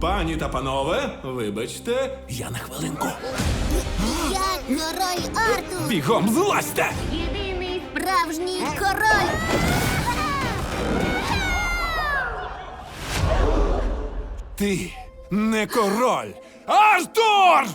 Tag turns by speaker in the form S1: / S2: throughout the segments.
S1: Пані та панове, вибачте, я на хвилинку.
S2: Я король Артур!
S1: Бігом злазьте!
S2: Єдиний справжній король!
S1: Ти не король! Артур!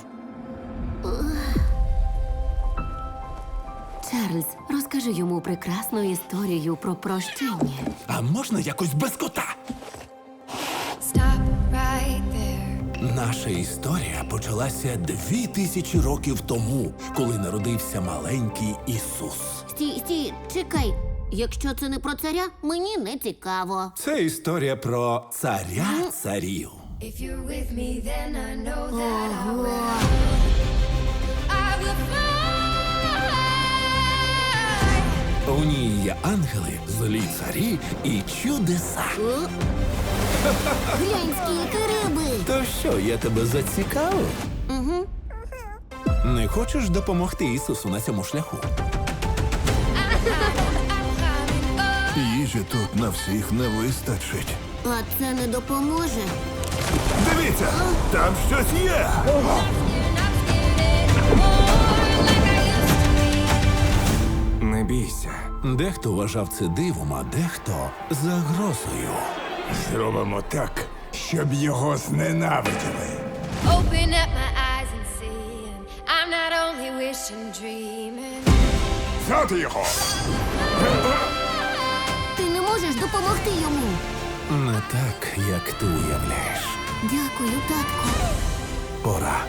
S3: Чарльз, розкажи йому прекрасну історію про прощення.
S1: А можна якось без кота?
S4: Stop right there.
S1: Наша історія почалася 2000 років тому, коли народився маленький Ісус.
S2: Стій, чекай. Якщо це не про царя, мені не цікаво.
S1: Це історія про царя царів.
S4: If you're with me, then I know that I
S2: Ого!
S4: will fly.
S1: У ній є ангели, злі царі і чудеса.
S2: О? Глянь, скільки риби!
S1: То що, я тебе зацікавив?
S2: Угу.
S1: Не хочеш допомогти Ісусу на цьому шляху?
S5: Їжі тут на всіх не вистачить.
S2: А це не допоможе.
S5: Дивіться, там щось є.
S6: Не бійся.
S1: Дехто вважав це дивом, а дехто загрозою.
S5: Зробимо так, щоб його зненавиділи.
S4: Open up my eyes and see. And I'm not only wishing, dreaming.
S5: Взяти його!
S2: Ти не можеш допомогти йому.
S1: Не так, як ти уявляєш.
S2: Дякую, татку.
S1: Пора.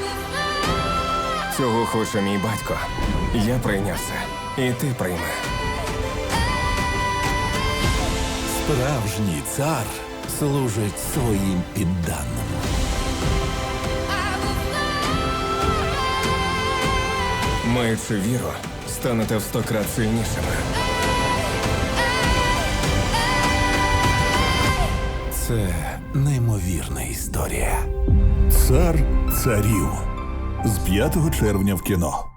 S6: Цього хоче мій батько. Я прийняв це. І ти прийми.
S1: Справжній цар служить своїм підданим.
S6: Маючи віру, станете в 100 крат сильнішими.
S1: Це неймовірна історія.
S5: Цар царів з 5 червня в кіно.